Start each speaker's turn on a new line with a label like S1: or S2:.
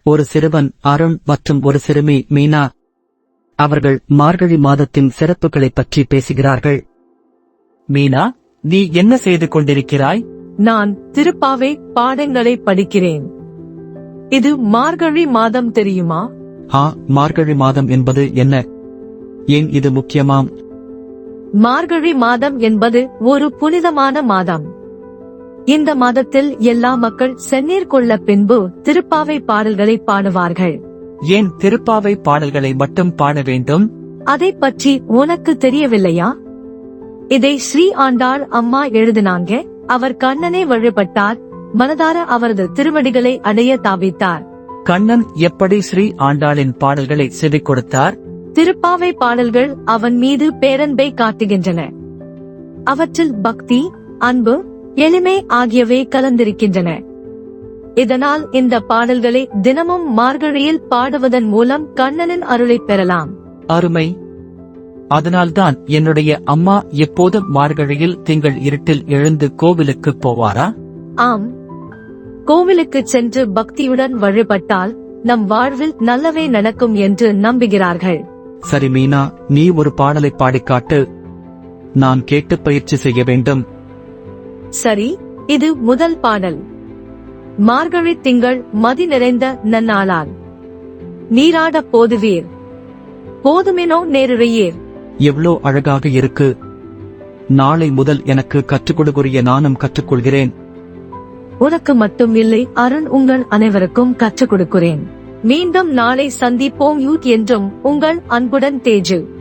S1: ஒரு சிறுவன் அருண் மற்றும் ஒரு சிறுமி மீனா. அவர்கள் மார்கழி மாதத்தின் சிறப்புகளைப் பற்றி பேசுகிறார்கள்.
S2: மீனா, நீ என்ன செய்து கொண்டிருக்கிறாய்?
S3: நான் திருப்பாவை பாடங்களை படிக்கிறேன். இது மார்கழி மாதம் தெரியுமா?
S1: மார்கழி மாதம் என்பது என்ன? ஏன் இது முக்கியமாம்?
S3: மார்கழி மாதம் என்பது ஒரு புனிதமான மாதம். இந்த மாதத்தில் எல்லா மக்கள் செந்நீர் கொள்ள பின்பு திருப்பாவை பாடல்களை பாடுவார்கள்.
S2: ஏன் திருப்பாவை பாடல்களை மட்டும் பாட வேண்டும்?
S3: அதை பற்றி உனக்கு தெரியவில்லையா? இதை ஸ்ரீ ஆண்டாள் அம்மா எழுதினாங்க. அவர் கண்ணனை வழிபட்டார், மனதார அவரது திருவடிகளை அடைய தாவித்தார்.
S2: கண்ணன் எப்படி ஸ்ரீ ஆண்டாளின் பாடல்களை செவிக் கொடுத்தார்?
S3: திருப்பாவை பாடல்கள் அவன் மீது பேரன்பை காட்டுகின்றன. அவற்றில் பக்தி, அன்பு, எளிமை ஆகியவை கலந்திருக்கின்றன. இதனால் இந்த பாடல்களை தினமும் மார்கழியில் பாடுவதன் மூலம் கண்ணனின் அருளை பெறலாம்.
S2: அருமை. அதனால்தான் என்னுடைய அம்மா எப்போதும் மார்கழியில் திங்கள் இருட்டில் எழுந்து கோவிலுக்கு போவாரா?
S3: ஆம், கோவிலுக்கு சென்று பக்தியுடன் வழிபட்டால் நம் வாழ்வில் நல்லவே நடக்கும் என்று நம்புகிறார்கள்.
S1: சரி மீனா, நீ ஒரு பாடலை பாடிக்காட்டு. நான் கேட்டு பயிற்சி செய்ய வேண்டும்.
S3: சரி, இது முதல் பாடல். மார்கழி திங்கள் மதி நிறைந்த நன்னாளால் நீராட போதுவீர், போதுமெனோ நேருறையீர்.
S1: எவ்வளோ அழகாக இருக்கு. நாளை முதல் எனக்கு கற்றுக் கொடுக்குரிய நானும் கற்றுக்கொள்கிறேன்.
S3: உனக்கு மட்டும் இல்லை அருண், உங்கள் அனைவருக்கும் கற்றுக் கொடுக்கிறேன். மீண்டும் நாளை சந்திப்போம். யூத் என்றும் உங்கள் அன்புடன் தேஜு.